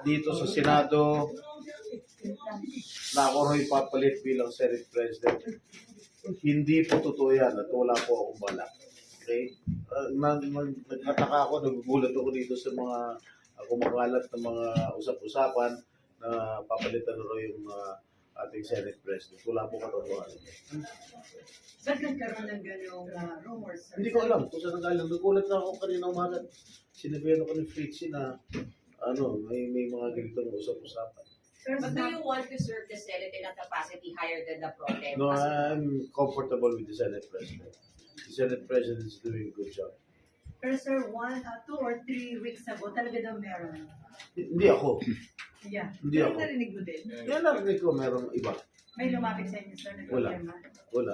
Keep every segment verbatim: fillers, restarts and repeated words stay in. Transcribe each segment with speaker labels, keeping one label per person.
Speaker 1: dito sa Senado na ako rin papalit bilang Senate President. Hindi po totoo yan at wala po akong bala. Okay? Uh, nag, nag, nagkataka ako, nagugulat ako dito sa mga uh, kumakalat na mga usap-usapan na papalitan na raw yung uh, ating Senate President. Wala po katotohanan.
Speaker 2: Ba't nagkaroon ng gano'ng uh, rumors?
Speaker 1: Hindi ko alam kung saan nanggaling. Nagulat na ako kanina umaga. Sinabihan ako ni Fritzy na ano, may, may mga ganitong usap-usapan.
Speaker 3: But do you want to serve the Senate in a capacity higher than the pro tem?
Speaker 1: No, I'm comfortable with the Senate President. The Senate President is doing a good job.
Speaker 2: Pero sir, one, uh, two or three weeks ago, talaga daw meron.
Speaker 1: Hindi ako.
Speaker 2: Yeah.
Speaker 1: Hindi
Speaker 2: Pero
Speaker 1: ako.
Speaker 2: narinig mo din?
Speaker 1: Yan narinig ko, merong iba.
Speaker 2: May lumapit sa inyo, sir,
Speaker 1: Wala.
Speaker 2: nagpapirma.
Speaker 1: Wala.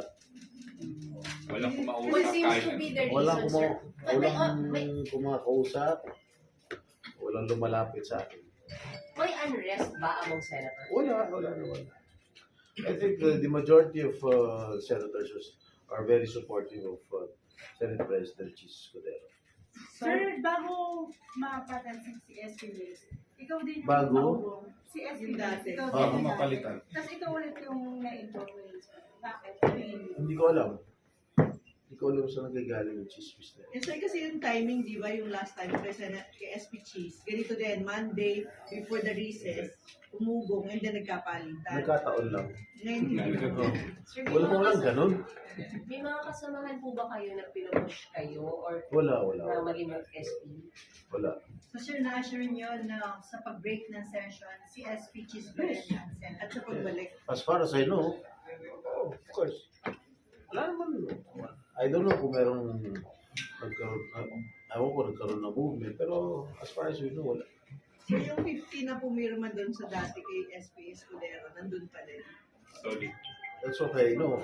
Speaker 4: Walang kumausap
Speaker 3: What seems
Speaker 4: kahit
Speaker 3: to be the
Speaker 1: Walang,
Speaker 3: reason,
Speaker 1: kuma
Speaker 3: sir? But may, uh, may,
Speaker 1: walang kumakausap. Walang lumalapit sa akin.
Speaker 3: may unrest ba among senators?
Speaker 1: Wala, wala naman. I think uh, the majority of uh, senators are very supportive of uh, Senate President Chis Cordero.
Speaker 2: Sir, bago mapatansin si S P Liz, ikaw din yung
Speaker 1: Bago?
Speaker 2: nakaupo. Si S P Liz, ikaw din
Speaker 1: Bago
Speaker 2: yung
Speaker 4: mapalitan.
Speaker 2: Tapos ikaw ulit yung na-influence. Bakit?
Speaker 1: Hindi ko alam. Hindi ko alam saan nagagaling yung chismis na yun.
Speaker 5: Yes, sir, kasi yung timing, di ba, yung last time kay, Senate, kay S P Cheese, ganito din, Monday, before the recess, umugong, and then nagkapalitan.
Speaker 1: Nagkataon lang.
Speaker 5: Ngayon, hindi
Speaker 1: Oh.
Speaker 5: ko.
Speaker 3: Sir, may
Speaker 1: Wala
Speaker 3: mga
Speaker 1: mo lang
Speaker 3: kas-
Speaker 1: ganun.
Speaker 3: May mga kasamahan po ba kayo na pinupush kayo or
Speaker 1: Wala, wala.
Speaker 3: na
Speaker 1: Wala.
Speaker 3: maging mag-S P?
Speaker 1: wala.
Speaker 2: So sir, na-assure nyo na sa pag-break ng session, si S P Cheese pa rin ang Senate.
Speaker 5: At sa pagbalik.
Speaker 1: As far as I know, oh, of course. Wala naman. I don't know kung merong nagkaroon, uh, ewan ko nagkaroon ng movement, pero as far as we know, wala.
Speaker 5: So yung fifty na pumirma doon sa dati kay S P Escudero, nandun pa din.
Speaker 4: solid.
Speaker 1: That's okay, no.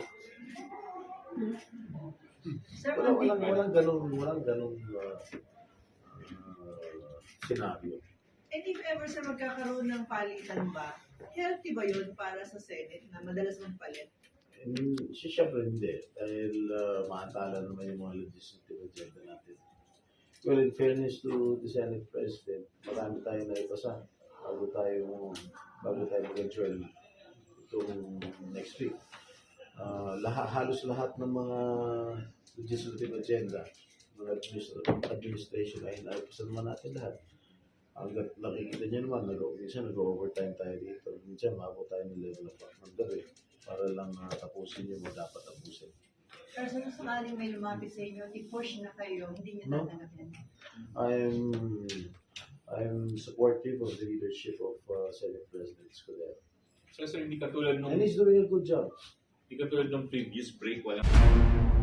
Speaker 2: Sir,
Speaker 1: Wala,
Speaker 2: on
Speaker 1: walang,
Speaker 2: the-
Speaker 1: walang ganun, walang ganun uh, uh, senaryo.
Speaker 5: And if ever sa magkakaroon ng palitan ba, healthy ba yun para sa Senate na madalas magpalit?
Speaker 1: And, si syempre hindi, dahil uh, maantala naman yung mga legislative agenda natin. Well, in fairness to the Senate President, marami tayong naipasa bago tayo, bago tayo mag-adjourn itong next week. Uh, lahat, halos lahat ng mga legislative agenda, mga administ- administration ay naipasa naman natin lahat. Hanggat nakikita niyo naman, nag- minsan nag-overtime tayo dito. Minsan mabot tayo ng level of ng gabi para lang uh, tapusin yung mga dapat tapusin.
Speaker 2: Pero sa sakaling may lumapit sa inyo, i-push na kayo, hindi nyo
Speaker 1: No.
Speaker 2: tatanggapin.
Speaker 1: I'm I'm supportive of the leadership of uh, Senate President Escudero.
Speaker 4: So, sir, hindi katulad nung,
Speaker 1: And he's doing a good job.
Speaker 4: hindi katulad nung previous break, walang